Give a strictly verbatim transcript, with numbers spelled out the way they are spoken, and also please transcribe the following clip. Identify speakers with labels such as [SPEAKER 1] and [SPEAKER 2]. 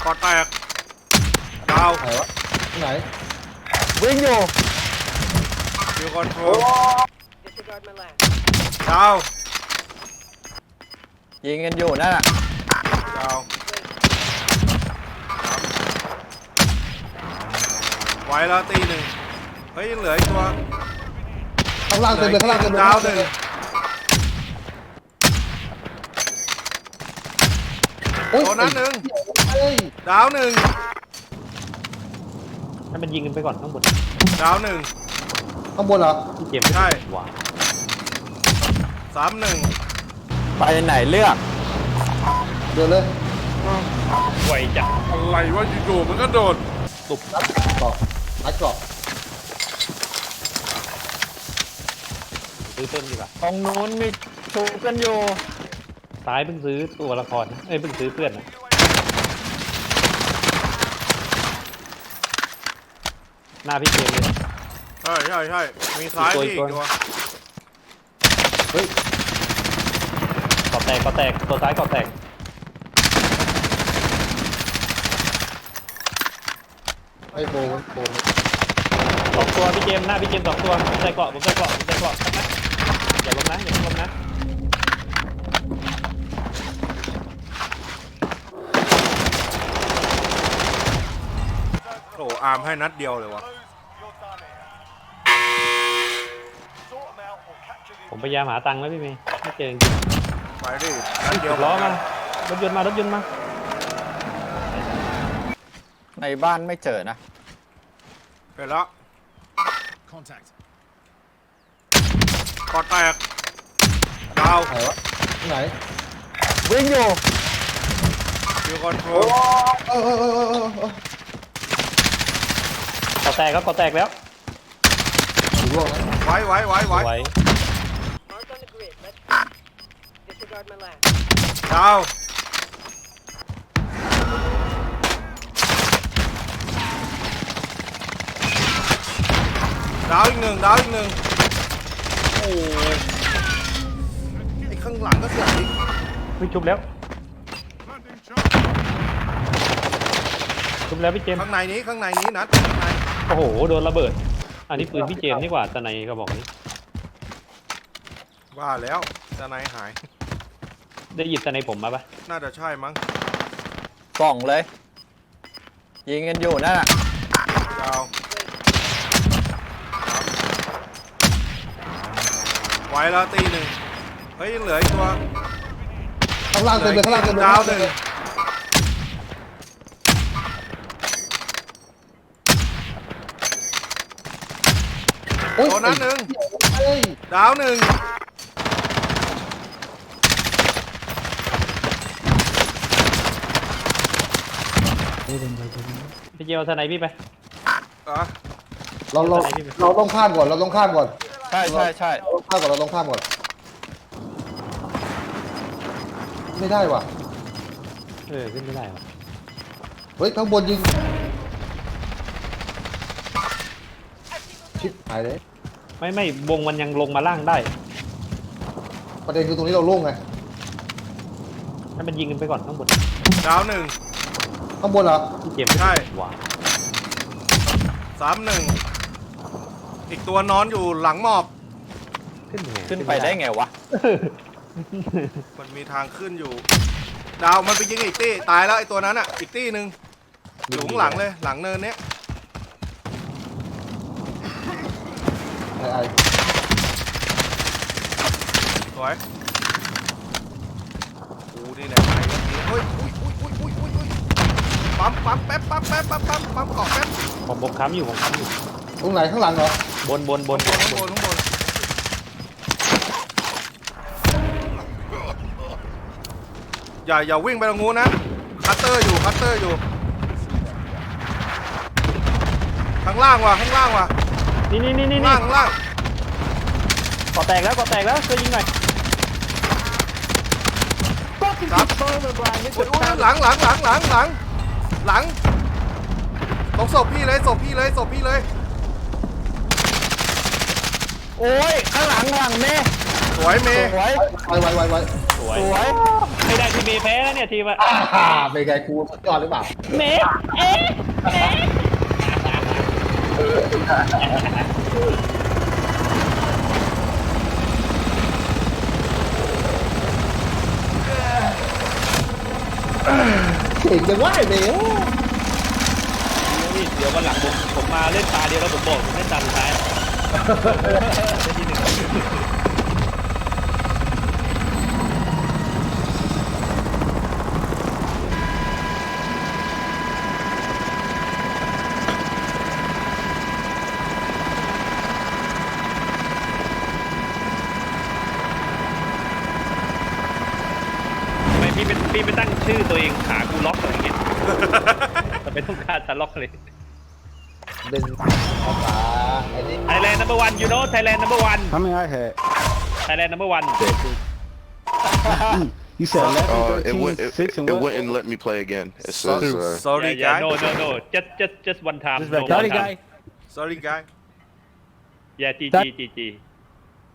[SPEAKER 1] กอดแตกดาว
[SPEAKER 2] ไหนวะไหน
[SPEAKER 3] วิ่งอยู่
[SPEAKER 1] คิวคอนโทรล
[SPEAKER 4] Disregard my last.
[SPEAKER 1] ดาว
[SPEAKER 3] ยิงกันอยู่นั่นน่ะ
[SPEAKER 1] ดาวไว้แล้วตีหนึ่งเฮ้ยยังเหลืออีกตัว
[SPEAKER 2] ข้างล่างเต็มเลยข้างล่างเต็มเลย
[SPEAKER 1] ดาวหนึ่ง
[SPEAKER 2] โอ้ย
[SPEAKER 1] ตัวนั้นหนึ่ง
[SPEAKER 2] เฮ้ย
[SPEAKER 1] ดาวหนึ่ง
[SPEAKER 5] ให้มันยิงกันไปก่อนข้างบน
[SPEAKER 1] ดาวหนึ่ง
[SPEAKER 2] ข้างบนเหรอ
[SPEAKER 5] ที่เกมไม่
[SPEAKER 1] ใช่
[SPEAKER 5] หวาน
[SPEAKER 1] สามหนึ่ง
[SPEAKER 3] ไปไหนเลือก
[SPEAKER 2] เดินเลย
[SPEAKER 5] ไวจัด
[SPEAKER 1] อะไรวะอยู่ๆมันก็โดด
[SPEAKER 5] ตุบ
[SPEAKER 2] นัดเกาะนัดเกาะ
[SPEAKER 5] ซื้อเพิ่มดีกว่า
[SPEAKER 3] ตรงนู้นมีชูกันอยู่
[SPEAKER 5] ซ้ายเพิ่งซื้อตัวละครนะเอ้ยเพิ่งซื้อเพื่อนนะหน้าพี่เกมเลย
[SPEAKER 1] ใช่ใช่ใช่มีซ้าย
[SPEAKER 5] อี
[SPEAKER 1] พี่
[SPEAKER 5] ก
[SPEAKER 1] อี
[SPEAKER 5] ตัว
[SPEAKER 1] กตัว
[SPEAKER 2] เฮ้ย
[SPEAKER 5] กอแตกกอแตกตัวซ้ายกอแตก
[SPEAKER 2] ไอ้โบนโบน
[SPEAKER 5] สองตัวพี่เกมหน้าพี่เกมสองตัวผมใส่เกาะผมใส่เกาะผมใส่เกาะนะอย่าล้มนะอย่าล้มนะ
[SPEAKER 1] โอ้อาร์มให้นัดเดียวเลยวะ
[SPEAKER 5] ผมพยายามหาตังค์แล้วพี่เมย์ไม่เจอจริง
[SPEAKER 1] ไปดินัดเดียว
[SPEAKER 5] ล้อมารถยนต์มารถยนต์มา
[SPEAKER 3] ในบ้านไม่เจอนะ
[SPEAKER 1] ไปแล้วกอดแตกดาว
[SPEAKER 2] ไหนวะไหน
[SPEAKER 3] วิ่งอยู่
[SPEAKER 1] คิวคอนโทร
[SPEAKER 2] เอ
[SPEAKER 1] ล
[SPEAKER 2] อเออเออเออเออเออก
[SPEAKER 5] อแตกครับกอแตกแล้ว
[SPEAKER 2] อยู่ร่วงนะ
[SPEAKER 1] ไว้ไว้ไว้ไว้
[SPEAKER 5] ไว้
[SPEAKER 4] Mark on the grid. Let's go. Disregard my last.
[SPEAKER 1] ดาวดาวอีกหนึ่งดาวอีกหนึ่งโอ้ยไอ้ข้างหลังก็เสียอีก
[SPEAKER 5] ไม่ชุบแล้วชุบแล้วพี่เจมส์
[SPEAKER 1] ข้างในนี้ข้างในนี้นัดข้างใน
[SPEAKER 5] โอ้โหโดนระเบิดอันนี้ปืนพี่เจมส์นี่กว่าตะไนกระบอกนี้
[SPEAKER 1] ว่าแล้วจะไหนหาย
[SPEAKER 5] ได้หยิบตะไนผมมาปะ
[SPEAKER 1] น่าจะใช่มั้ง
[SPEAKER 3] ส่องเลย ยิงกันอยู่นั่นน่ะ
[SPEAKER 1] ดาวไว้แล้วตีหนึ่งเฮ้ยยังเหลืออีกตัว
[SPEAKER 2] ข้างล่างเต็มเลยข้างล่างเต็มเลย
[SPEAKER 1] ดาวหนึ่ง
[SPEAKER 2] โอ้ย
[SPEAKER 1] ตัวนั้นหนึ่ง
[SPEAKER 2] เฮ้ย
[SPEAKER 1] ดาวหนึ่ง
[SPEAKER 5] พี่เจมส์เอาตะไนพี่ไป
[SPEAKER 1] อ่ะ
[SPEAKER 2] เราเราเราต้องข้ามก่อนเราต้องข้ามก่อน
[SPEAKER 3] ใช่ใช่ใช่
[SPEAKER 2] เราต้องข้ามก่อนเราต้องข้ามก่อนไม่ได้ว่ะ
[SPEAKER 5] เออขึ้นไม่ได้วะ
[SPEAKER 2] เฮ้ยข้างบนยิงชิบหายเลย
[SPEAKER 5] ไม่ไม่วงมันยังลงมาล่างได้
[SPEAKER 2] ประเด็นคือตรงนี้เราโล่งไง
[SPEAKER 5] ให้มันยิงกันไปก่อนข้างบน
[SPEAKER 1] ดาวหนึ่ง
[SPEAKER 2] ข้างบนเหรอ
[SPEAKER 5] พี่เจมส์
[SPEAKER 1] ใช่
[SPEAKER 5] หวาน
[SPEAKER 1] สามหนึ่งอีกตัวนอนอยู่หลังหมอบ
[SPEAKER 5] ขึ้นยังไง
[SPEAKER 3] ขึ้นไปได้ไงวะ
[SPEAKER 1] มันมีทางขึ้นอยู่ ดาวมันไปยิงอีกตี้ตายแล้วไอ้ตัวนั้นอ่ะอีกตี้หนึ่งอยู่ข้างหลังเลยหลังเนินเนี้ย
[SPEAKER 2] ไอ้ไอ้
[SPEAKER 1] สวยกูนี่แหละไอ้เฮ้ยอุ้ยอุ้ยอุ้ยอุ้ยอุ้ยอุ้ยปั๊มปั๊มแป๊บปั๊มแป๊บปั๊มปั๊มปั๊มเกาะแป๊บ
[SPEAKER 5] ผมผมค้ำอยู่ผมค้ำอยู่
[SPEAKER 2] ตรงไหนข้างหลังเหรอบ
[SPEAKER 5] นบนบน
[SPEAKER 1] ข้างบนข้างบนข้างบนอย่าอย่าวิ่งไปตรงนู้นนะคัตเตอร์อยู่คัตเตอร์อยู่ข้างล่างว่ะข้างล่างว่ะ
[SPEAKER 5] นี่นี่นี่นี่
[SPEAKER 1] ข้างล่างข้างล่าง
[SPEAKER 5] กอแตกแล้วกอแตกแล้วช่วยยิงหน่อย
[SPEAKER 1] ครับอุ๊ยอุ๊ยหลังหลังหลังหลังหลังหลังตรงศพพี่เลยศพพี่เลยศพพี่เลย
[SPEAKER 3] โอ้ย ข้างหลังหลังแม่
[SPEAKER 1] สวยเมย์
[SPEAKER 3] สวย
[SPEAKER 2] ไว้ไว้ไว้ไว้
[SPEAKER 1] ส
[SPEAKER 5] วย
[SPEAKER 3] สวย
[SPEAKER 5] ไม่ได้ทีมเมย์แพ้แล้วเนี่ยทีมอะ
[SPEAKER 2] อ่าเป็นไงกูสุดยอดหรือเปล่า
[SPEAKER 5] เมย์เอ๊ะเอ๊ะ
[SPEAKER 2] เก่งจังวะไอ้เบล
[SPEAKER 5] เดี๋ยววันหลังผมผมมาเล่นตาเดียวแล้วผมบอกผมเล่นตาสุดท้ายเล่นที่หนึ่ง ทำไมพี่เป็นพี่ไม่ตั้งชื่อตัวเองขากูล็อกอะไรอย่างเงี้ย แต่เป็นต้องการจะล็อกเลย
[SPEAKER 2] เป็นภาษาไอ้นี่
[SPEAKER 5] Thailand number one you know Thailand number one
[SPEAKER 6] How many I had?
[SPEAKER 5] Thailand number one
[SPEAKER 6] You said eleven,
[SPEAKER 7] Uh, it,
[SPEAKER 6] thirteen,
[SPEAKER 7] would, it,
[SPEAKER 6] six, and
[SPEAKER 7] it
[SPEAKER 6] what?
[SPEAKER 7] wouldn't let me play again. It says, uh,
[SPEAKER 1] sorry
[SPEAKER 5] yeah, yeah,
[SPEAKER 1] guy
[SPEAKER 5] no no no just just just one time
[SPEAKER 6] Just
[SPEAKER 5] no
[SPEAKER 6] back
[SPEAKER 5] one
[SPEAKER 6] Sorry,
[SPEAKER 5] time
[SPEAKER 6] guy.
[SPEAKER 1] sorry guy
[SPEAKER 5] yeah G G G G